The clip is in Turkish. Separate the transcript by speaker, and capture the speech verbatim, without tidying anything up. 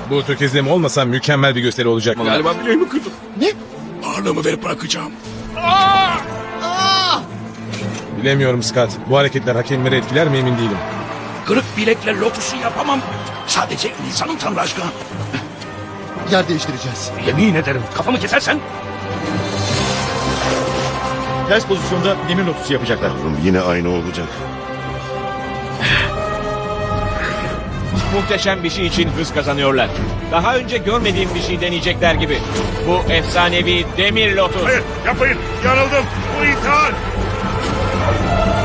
Speaker 1: Bu tökezleme olmasa mükemmel bir gösteri olacak.
Speaker 2: Galiba bileğimi kırdım.
Speaker 3: Ne?
Speaker 2: Ağırlığımı verip bırakacağım.
Speaker 1: Bilemiyorum Scott. Bu hareketler hakemleri etkiler mi emin değilim.
Speaker 2: Kırık bilekle lotusu yapamam. Sadece insanın tanrı aşkına.
Speaker 3: Yer değiştireceğiz.
Speaker 2: Yemin ederim kafamı kesersen.
Speaker 4: Ters pozisyonda demir lotusu yapacaklar.
Speaker 5: Yine aynı olacak.
Speaker 6: Muhteşem bir şey için hız kazanıyorlar. Daha önce görmediğim bir şey deneyecekler gibi. Bu efsanevi demir lotus.
Speaker 5: Hayır yapmayın. Yanıldım. Bu ithal.